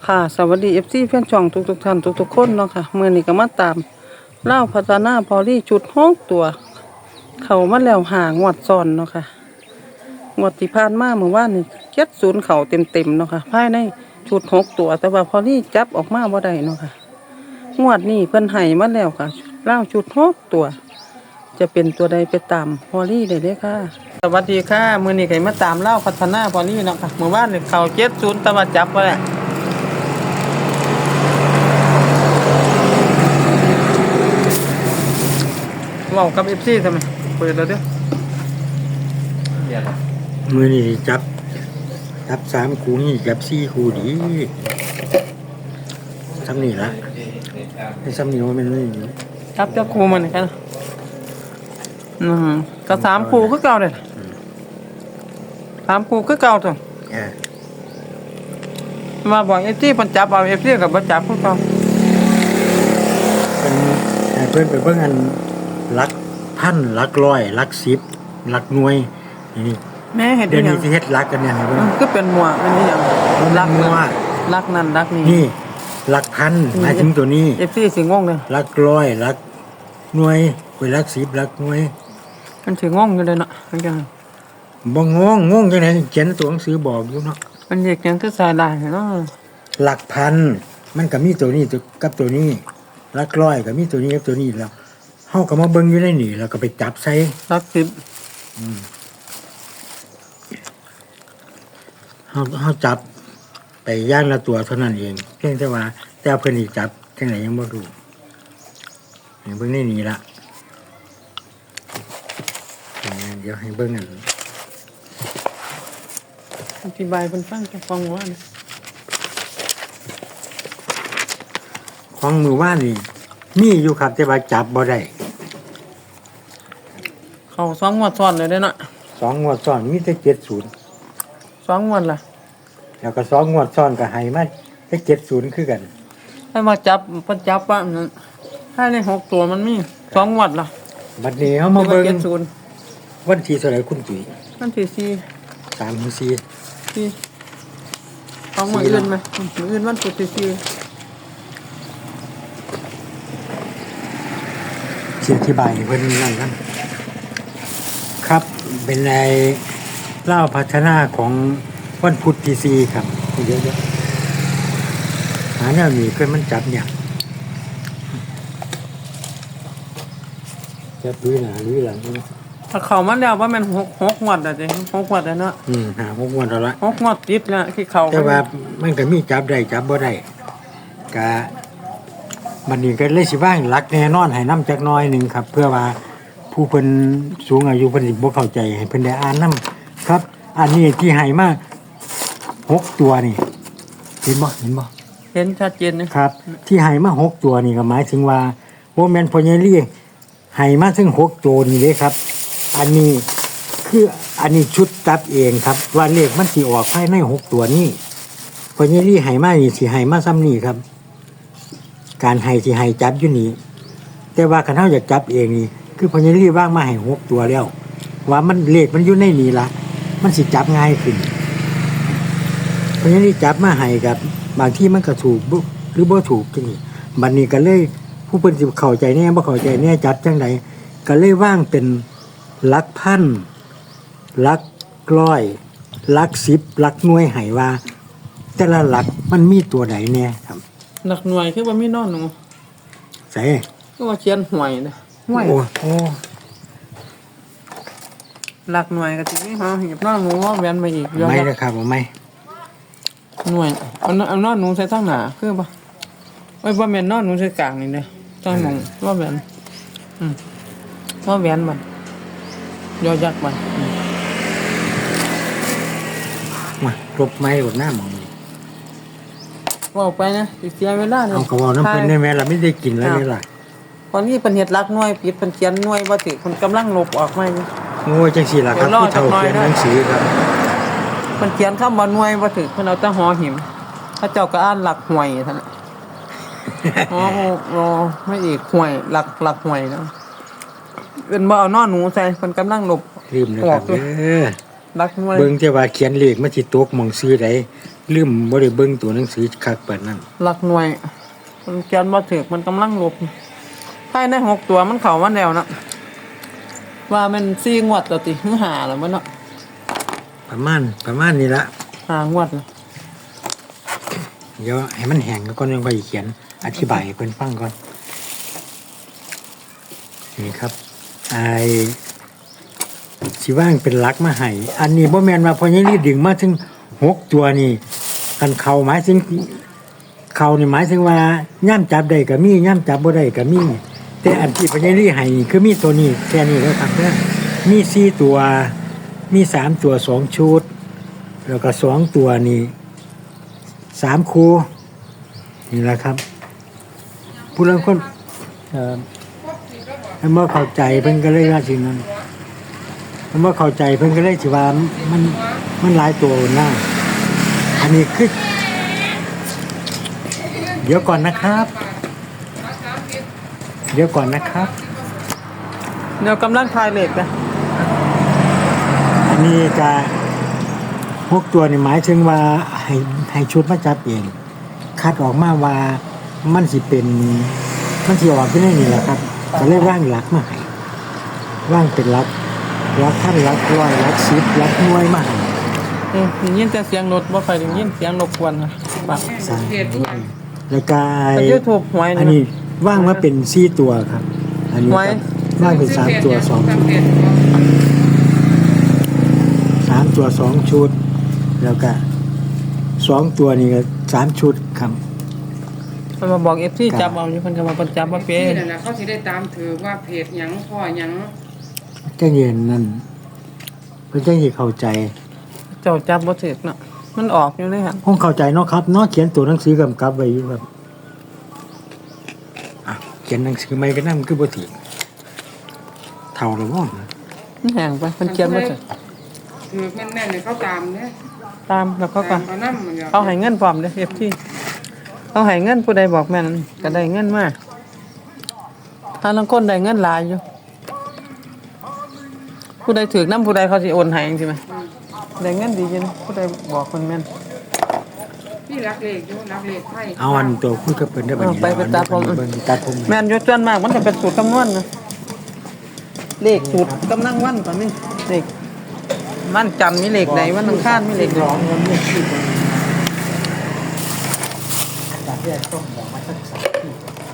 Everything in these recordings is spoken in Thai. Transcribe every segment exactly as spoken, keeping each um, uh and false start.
ค่ะสวัสดี เอฟ ซี แฟนช่องทุกๆท่านทุกๆคนเนาะค่ะมื้อนี้ก็มาตามเล่าวพัฒนาพอลี่จุดหกตัว เข้ามาแล้วหางวดซ้อนเนาะค่ะงวดที่ผ่านมาเมื่อวานนี่เจ็ดสิบเข้าเต็มๆเนาะค่ะภายในชุดหกตัว แต่ว่าพอลี่จับออกมาบ่ได้เนาะค่ะงวดนี้เพิ่นให้มาแล้วค่ะเล่าวชุดหกตัว จะเป็นตัวใดไปตามพอลี่ได้เด้อค่ะสวัสดีค่ะมื้อนี้ก็มาตามเล่าวพัฒนาพอลี่เนาะค่ะเมื่อวานนี่เข้าเจ็ดสิบแต่ว่าจับบ่ได้เว้ากับ เอฟ ซี ทำไมเปิดแล้วเด้อมือนี่จับจับสามคูนี่จับสี่คูดีซ้ำนี่ละไอ้ซ้ำนี่ว่ามันไม่ดีจับเจ้าครูมันกันอืมก็สามครูคือเก่าเลยสามครูคือเก่าตัวเออมาบอกเอฟซีมันจับเอาเอฟซีกับบ่จับคือเก่าเป็นให้เพื่อนไปเบิ่งอันลักพันลักร้อยลักสิบลักหน่วยนี่แม่เห็นเดี๋ยวยันี้งสิเฮ็ดลักกันเนี่ยให้เบิ่งก็เป็นหมวกเป็นนี่ยังรักมันั่วน ว่ารักนั่นรักนี่นี่ลักพันหมายถึงตัวนี้เอฟซีสิงงเลยลักร้อยลักหน่วยไปลักสิบลักหน่วยมันสิงงอยู่เลยเนาะมันจังบ่งงงงจังได๋เขียนตัวหนังสือบอกอยู่เนาะมันเด็กยังคือสายได้เนาะหลักพันมันก็มีตัวนี้ตัวกับตัวนี้หลักร้อยก็มีตัวนี้กับตัวนี้แล้วเฮาก็มาเบิ่งอยู่ในนี่แล้วก็ไปจับใส่รักสิบเฮาเฮาจับไปย่างละตัวเท่านั้นเองเพียงแต่ว่าแต่เพิ่นนี่จับจังไหนยังบ่รู้ให้เบิ่งในนี่ละเดี๋ยวให้เบิ่งอันอธิบายเพิ่นฟังจะฟังว่านะของมือว่านนี่มีอยู่ครับแต่ว่าจับบ่ได้เข้าสองงวดซ้อนเลยเด้อเนาะสองงวดซ้อนมีแต่เจ็ดสิบสองงวดล่ะแล้วก็สองงวดซ้อนก็ให้มาแต่เจ็ดสิบคือกันให้มาจับเพิ่นจับว่านั่นให้ในหกตัวมันมีสองงวดล่ะบัดนี้เฮามาเบิ่งเจ็ดศูนย์วันที่เท่าไหร่คุณตุ๋ยมันที่สี่สามหรือสี่สี่เอามืออื่นไหมมืออื่นวันพุธที่สี่เสียอธิบายให้เพิ่นนั่นกันครับเป็นในเล่าพัฒนาของวันพุธที่สี่ครับเยอะๆหาแนวนี้เพิ่นมันจับเนี่ยจับด้วยหน้าหรือหลังนี่ถ้าเข้ามาแล้วว่ามันหกหกงวดอ่ะจ้ะหกงวดแล้วเนาะอืมหาพวกวันแล้วละหกงวดติดแล้วที่เข้าแต่ว่ามันก็มีจับได้จับบ่ได้กะมันนี่ก็เลยสิว่างหลักแน่นอนให้นำจักหน้อยหนึงครับ เพื่อว่าผู้เพิ่นสูงอายุเพิ่นสิบ่เข้าใจให้เพิ่นได้อ่านนํครับ อันนี้ที่ให้มาหกตัวนี่เห็นบ่เห็นบ่เห็นชัดเจนนะครับที่ให้มาหกตัวนี่ก็หมายถึงว่าบ่แม่นพ่อใหญ่ลี่ให้มาถึงหกตัวนี่เด้ครับ อันนี้คืออันนี้ชุดจับเองครับ ว่าเลขมันสิออกภายในหกตัวนี้พ่อใหญ่ลี่ให้มานี่สิให้มาซ้ำนี่ครับ การให้สิให้จับอยู่นี่แต่ว่าคันเฮาอยากจับเองนี่คือพ่อใหญ่ลี่วางมาให้หกตัวแล้ว ว่ามันเลขมันอยู่ในนี่ล่ะมันสิจับง่ายขึ้นพ่อใหญ่ลี่จับมาให้กับบางที่มันก็ถูกบ่หรือบ่ถูกจังซี่บัดนี้ก็เลยผู้เพิ่นสิเข้าใจแน่บ่เข้าใจแน่จับจังไดก็เลยวางเป็นหลักพันหลักร้อยหลักสิบหลักหน่วยให้ว่า แต่ละหลักมันมีตัวใดแน่ครับหนักหน่วยคือว่ามีนอนหนูใส่ก็ว่าเขียนหวยนะหวยโอ้โอ้หลักหน่วยก็สิมีหาเหีบนอนหนูว่าแว้นมาอีกเยอะไม่แยะนะครับผมไม่หน่วยเอาเอานอนหนูใส่ทางหน้าคือบ่ไว้บ่แม่นนอนหนูใส่กลางนี่เด้อต้องมองว่าแหวนอืมว่าแหวนมันยอยักษ์มันอืมมารบไม้รบหน้าหมองว่าไปนะสิเสียเวลาเลยเอาเขาเอาน้ำเพิ่นได้ไหมเราไม่ได้กินแล้วนี่ล่ะตอนนี้เป็นเฮ็ดหลักหน่วยปิดเป็นเขียนหน่วยบ่ถึกเพิ่นกำลังลบออกมาอยู่โอ้ยจังสี่ล่ะครับเดี๋ยวรอผู้เฒ่าจักหน่อยเขียนนะหนังสือครับเพิ่นเขียนคำว่าหน่วยบ่ถึกเพิ่นเอาแต่หอหิมพระเจ้าก็อ่านหลักหวยท่านน่ะ อ๋ออ๋อไม่อีกหวยหลักหลักหวยนะเอิ้นบ่เอานอนหนูใส่เพิ่นกำลังลบลืมนะครับเด้อรักหน่วยเบิ่งแต่ว่าเขียนเลขมันสิตกหม่องซื้อใดลืมบ่ได้เบิ่งตัวหนังสือคักปานนั้นรักหน่วยมันเขียนบ่ถูกมันกำลังลบภายในหกตัวมันเข้ามาแล้วนะว่ามันสี่งวดแล้วติหรือห้าแล้วมันเนาะประมาณประมาณนี้ละห้างวดแล้วเดี๋ยวให้มันแห้งแล้วก็ยังค่อยเขียนอธิบายให้เพิ่นฟังก่อนนี่ครับไอ้สิว่างเป็นหลักมาให้อันนี้บ่แม่นว่าพอยังรีดึงมาถึงหกตัวนี่กันเข้าหมายถึงเข้านี่หมายถึงว่าย่ำจับได้ก็มีย่ำจับบ่ได้ก็มีแต่อันที่พอยังรีให้นี่คือมีตัวนี้แค่นี้แล้วครับเด้อมีสี่ตัวมีสามตัวสองชุด แล้วก็สองตัวนี่สามคูนี่แหละครับ ผู้ลางคนเอ่อเมื่อเข้าใจเพิ่นก็เลยว่าสิ่งนั้นเมื่อเข้าใจเพิ่นก็เลยสิว่ามันมันหลายตัวนะอันนี้คือเดี๋ยวก่อนนะครับ เดี๋ยวก่อนนะครับเดี๋ยวกำลังทายเลขนะอันนี้จะหกตัวนี่หมายถึงว่าให้ให้ชุดมาจับเองคัดออกมาว่ามันสิเป็นมันสิออกที่ไหนนี่แหละครับก็เลยว่างหลักมาให้ว่างเป็นหลักหลักท่านหลักร้อยหลักสิบหลักหน่วยมาให้อืมได้ยินแต่เสียงรถบ่ค่อยได้ยินเสียงรบกวนนะบักใส่แล้วก็แต่ YouTube หวยอันนี่นี้ว่างมาเป็นสี่ตัวครับ อันนี้หวยว่างเป็นสามตัวสองชุดสามตัวสองชุด แล้วก็สองตัวนี่ก็สามชุดครับมันมาบอก เอฟ ซี จับเอาอยู่เพิ่นก็มาเพิ่นจับบ่เป็นี่นนั่นน่ะเขาสิได้ตามถือว่าเพจหยังพ่อหยังแจ้งเย็นนั่นเพื่อแจ้งให้เข้าใจเจ้าจับบ่ถูกเนาะมันออกอยู่เลยหั่นคงเข้าใจเนาะครับเนาะเขียนตัวหนังสือกำกับไว้อยู่ครับอ่ะเขียนหนังสือไม่ก็นั่นมันคือบ่ถีเท่าหรือว่ามันแห้งไปเพิ่นเขียนบ่ถูกถือแม่นๆเนี่ยเขาตามเนี่ยตามแล้วเขาก็ตามเขานำมันก็เขาให้เงินพร้อมเด้อ เอฟ ซี เขาให้เงินผู้ใดบอกแม่นก็ได้เงินมาถ้าลางคนได้เงินหลายอยู่ผู้ใดถูกนำผู้ใดเขาสิโอนให้จังซี่แหมได้เงินดีจังผู้ใดบอกเพิ่นแม่นพี่รักเลขอยู่รักเลขไทยเอาอันตัวคุยกับเพิ่นได้บัดนี้เอาไปไปตัดผมเบิ่งตัดผมแม่นอยู่ส่วนมากมันจะเป็นสูตรคำนวณนะเลขสูตรกำลังวันก่อนนี่เลขวันจันทร์มีเลขใดวันอังคารมีเลขใดร้องเงินเนี่ยที่เบิ่งจากแรกต้องบอกมาสักสามที่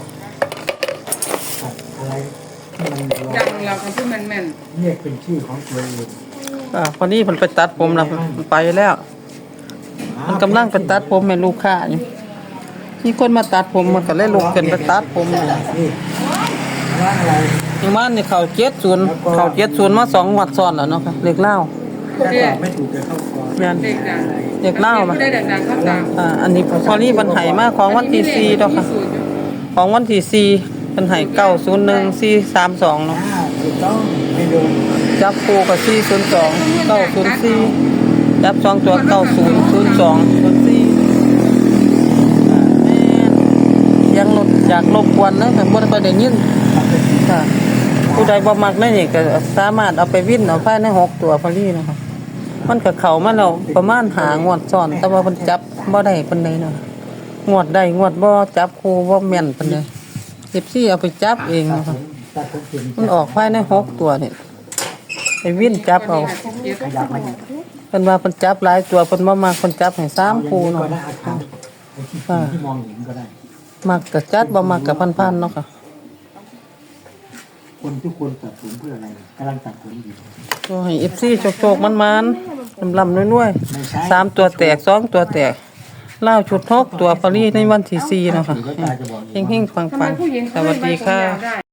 อะไรที่มันร้องดังเราคันที่แม่นเรียกเป็นชื่อของตัวเองอ่าพอดีเพิ่นไปตัดผมแล้วมันไปแล้ว มันกำลังไปตัดผมให้ลูกค้าอยู่มีคนมาตัดผมมันก็เลยลุกขึ้นไปตัดผมอยู่นี่ว่าอะไรอย่างมันนี่เขาเจ็ดศูนย์เขาเจ็ดศูนย์มาสองงวดซ้อนแล้วเนาะค่ะเลขเล่าถ้าตอบไม่ถูกจะเข้าคอแม่นๆเลขดังเลขเล่ามาได้ดังๆเขาตามอ่าอันนี้พอดีมันให้มาของวันที่สี่ดอกค่ะ ของวันที่สี่เป็นให้เก้าศูนย์หนึ่งสี่สามสองเนาะอ่าถูกต้องไม่โดนจับคู่กับสี่ศูนย์สองเก้าศูนย์สี่จับสองตัวเก้าศูนย์ศูนย์สองศูนย์สี่ยังรถอยากรบกวนนะแต่บ่ได้ค่อยได้ยินค่ะผู้ใดบ่มักนั่นนี่ก็สามารถเอาไปวิ่นเอาภายในหกตัวพอดีนะคะมันก็เข้ามาแล้วประมาณหางวดซ้อน แต่ว่าเพิ่นจับบ่ได้ปานใดเนาะงวดใดงวดบ่จับคู่บ่แม่นปานใดสิบสี่เอาไปจับเองนะคะตัดผมเป็นมันออกภายในหกตัวนี่ไอ้วินจับเอาขยับมาอีกเพิ่นว่าเพิ่นจับหลายตัวเพิ่นบ่มักเพิ่นจับให้สามคู่ก็เนาะได้อาคารที่มองเห็นก็ได้มักก็จัดบ่มักก็พันๆเนาะค่ะคนทุกคนตัดผมเพื่ออะไรกำลังตัดผมอยู่ก็ให้ เอฟ ซี โชคๆมันๆลำๆรวยๆสามตัวแตกสองตัวแตกเล่าวชุดหกตัวพอลี่ในวันที่สี่เนาะค่ะเฮงๆปัทำไมงผู้หญิงๆสเขาวัสดีค่ะได้